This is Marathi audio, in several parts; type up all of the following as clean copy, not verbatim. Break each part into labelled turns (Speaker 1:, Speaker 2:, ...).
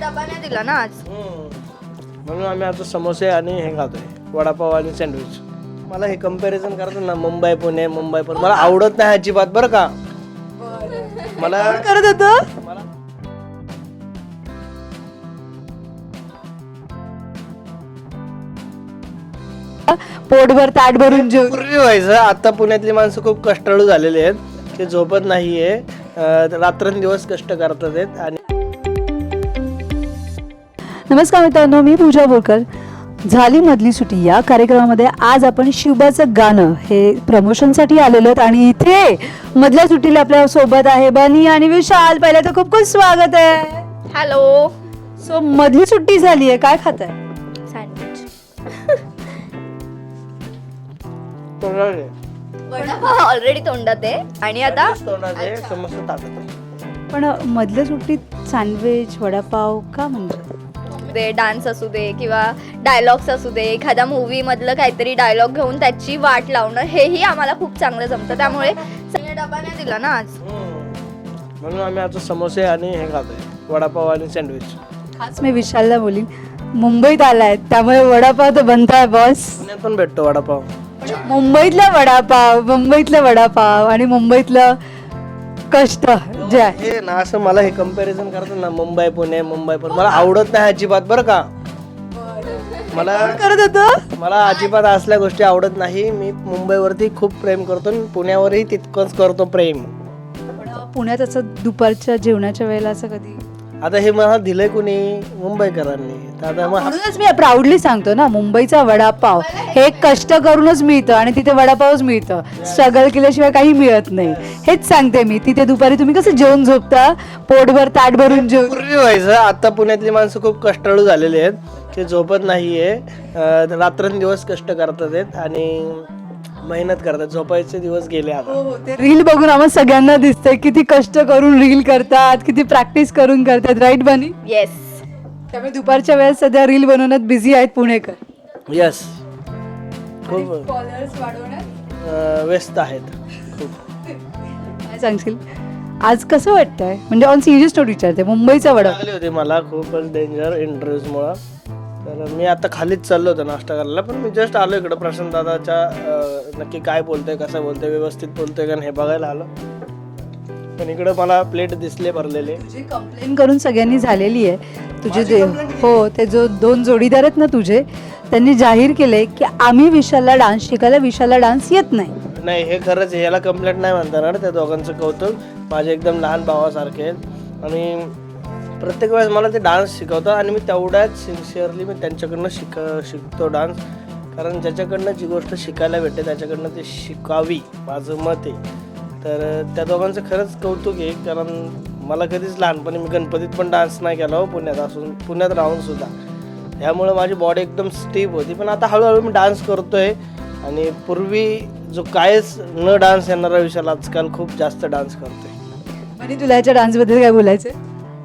Speaker 1: डबा नाही दिला ना आज.
Speaker 2: म्हणून आम्ही आता समोसे आणि हे खातोय, वडापाव आणि सँडविच. मला हे कम्पॅरिझन करतो ना, मुंबई पुणे मुंबई पुणे, मला आवडत नाही अजिबात बरं का. मला
Speaker 3: करत होतं
Speaker 2: मला
Speaker 3: पोटभर ताट भरून जेव.
Speaker 2: पूर्वी व्हायचं, आता पुण्यातली माणसं खूप कष्टाळू झालेली आहेत. ते झोपत नाहीये, रात्रंदिवस कष्ट करतात आहेत. आणि
Speaker 3: नमस्कार मित्रांनो, मी पूजा बोरकर. झाली मधली सुट्टी या कार्यक्रमामध्ये आज आपण शिवबाचं गाणं हे प्रमोशनसाठी आलेलो आहोत आणि इथे मधल्या सुट्टीला आपल्या सोबत आहे बनी आणि विशाल. पहिलं तर खूप खूप स्वागत आहे.
Speaker 1: हॅलो.
Speaker 3: सो मधली सुट्टी झाली आहे, काय खात आहे?
Speaker 1: सँडविच.
Speaker 2: तोंडात
Speaker 1: वडापाव ऑलरेडी तोंडात आहे आणि आता
Speaker 2: आहे, समोसा ताटात आहे.
Speaker 3: पण मधल्या सुट्टीत सँडविच वडापाव का म्हणजे?
Speaker 1: डान्स असू दे किंवा डायलॉग्स असू दे, एखाद्या मूवी मधलं काहीतरी डायलॉग घेऊन त्याची वाट लावणं, हेही आम्हाला खूप चांगलं जमतं. त्यामुळे डबा नाही दिला ना आज.
Speaker 2: म्हणून आम्ही आता समोसे आणि हे खातोय, वडापाव आणि सँडविच.
Speaker 3: खास मी विशालला बोलीन, मुंबईत आलाय त्यामुळे वडापाव तर बनताय बॉस.
Speaker 2: पुण्यात पण भेटतो वडापाव.
Speaker 3: मुंबईतलं वडापाव आणि मुंबईतलं कष्ट जे आहे
Speaker 2: हे ना, असं मला हे कम्पॅरिझन करतो ना, मुंबई पुणे मुंबई पुणे, मला आवडत नाही अजिबात बरं का. मला
Speaker 3: करत होतं.
Speaker 2: मला अजिबात असल्या गोष्टी आवडत नाही. मी मुंबईवरती खूप प्रेम करतो आणि पुण्यावरही तितकंच करतो प्रेम.
Speaker 3: पुण्यात असं दुपारच्या जेवणाच्या वेळेला असं कधी?
Speaker 2: आता हे मला दिलंय कुणी? मुंबईकरांनी. तर आता मग
Speaker 3: म्हणूनच मी प्राऊडली सांगतो ना, मुंबईचा वडापाव हे कष्ट करूनच मिळतं आणि तिथे वडापावच मिळतं, स्ट्रगल केल्याशिवाय काही मिळत नाही. हेच सांगते मी. तिथे दुपारी तुम्ही कसं जेवण झोपता, पोटभर ताट भरून जेवण.
Speaker 2: पूर्वी व्हायचं, आता पुण्यातली माणसं खूप कष्टाळू झालेली आहेत. ते झोपत नाहीये, रात्रंदिवस कष्ट करतात आहेत आणि मेहनत करतात. झोपायचे दिवस गेले आता.
Speaker 3: ते रील बघून आम्हाला सगळ्यांना दिसतंय किती कष्ट करून रील करतात, किती प्रॅक्टिस करून करतात, राईट बनी?
Speaker 1: येस.
Speaker 3: त्यामुळे दुपारच्या वेळेस सध्या रील बनवण्यात बिझी आहेत पुणेकर.
Speaker 2: यस, खूप
Speaker 3: फॉलोअर्स वाढवण्यात
Speaker 2: व्यस्त आहेत खूप.
Speaker 3: काय सांगशील आज कसं वाटतंय? म्हणजे ऑन सिरियस नोट विचारते, मुंबईचा वडापाव
Speaker 2: लागली होती मला खूपच डेंजर इंटरव्ह्यूजमुळं. तर मी आता खालीच चाललो होतो नाश्ता करायला, पण मी जस्ट आलो इकडं प्रशांत दादाच्या नक्की काय बोलतोय, कसं बोलतोय, व्यवस्थित बोलतोय का हे बघायला आलो. पण इकडं मला प्लेट दिसले भरलेले.
Speaker 3: तुझी कंप्लेंट करून सगळ्यांनी झालेली आहे. तुझे हो, ते जो 2 जोडीदार आहेत ना तुझे, त्यांनी जाहीर केलंय की आम्ही विशालला डान्स शिकायला, विशालला डान्स येत नाही.
Speaker 2: नाही, हे खरंच याला कंप्लेंट नाही म्हणता येणार. त्या दोघांचं कौतुक. माझे एकदम लहान भावासारखे आहेत आणि प्रत्येक वेळेस मला ते डान्स शिकवतात आणि मी तेवढ्याच सिन्सिअरली मी त्यांच्याकडनं शिकतो डान्स. कारण ज्याच्याकडनं जी गोष्ट शिकायला भेटते त्याच्याकडनं ते शिकावी, माझं मत आहे. तर त्या दोघांचं खरंच कौतुक आहे. कारण मला कधीच लहानपणी मी गणपतीत पण डान्स नाही केला हो, पुण्यात राहून सुद्धा. त्यामुळे माझी बॉडी एकदम स्टीफ होती. पण आता हळूहळू मी डान्स करतोय आणि पूर्वी जो कायच न डान्स येणारा विशाल आजकाल खूप जास्त डान्स करतोय.
Speaker 3: आणि तुला याच्या डान्सबद्दल काय बोलायचं?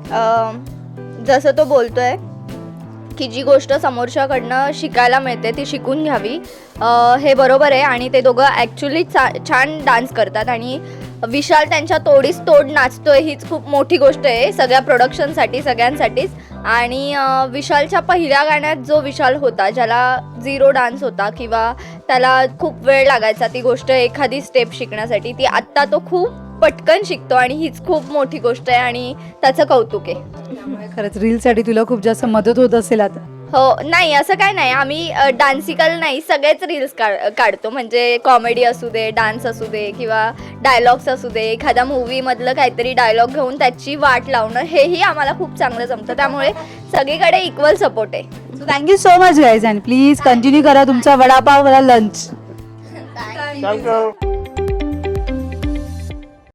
Speaker 1: जसं तो बोलतोय की जी गोष्ट समोरच्याकडनं शिकायला मिळते ती शिकून घ्यावी, हे बरोबर आहे. आणि ते दोघं ॲक्च्युली छान डान्स करतात आणि विशाल त्यांच्या तोडीस तोड नाचतोय, हीच खूप मोठी गोष्ट आहे सगळ्या प्रोडक्शनसाठी, सगळ्यांसाठीच. आणि विशालच्या पहिल्या गाण्यात जो विशाल होता, ज्याला 0 डान्स होता किंवा त्याला खूप वेळ लागायचा ती गोष्ट, एखादी स्टेप शिकण्यासाठी, ती आत्ता तो खूप पटकन शिकतो आणि हीच खूप मोठी गोष्ट आहे आणि त्याचं कौतुक आहे.
Speaker 3: त्यामुळे खरंच रीलसाठी तुला खूप जास्त मदत होत असेल आता.
Speaker 1: हो, नाही असं काय नाही, आम्ही डान्सिकल नाही, सगळेच रील्स काढतो. म्हणजे कॉमेडी असू दे, डान्स असू दे किंवा डायलॉग्स असू दे, एखाद्या मूवीमधलं काहीतरी डायलॉग घेऊन त्याची वाट लावणं, हेही आम्हाला खूप चांगलं जमतं. त्यामुळे सगळीकडे इक्वल सपोर्ट आहे.
Speaker 3: So thank you so much guys and please continue करा तुमचा वडापाव वाला लंच.
Speaker 2: थँक्यू.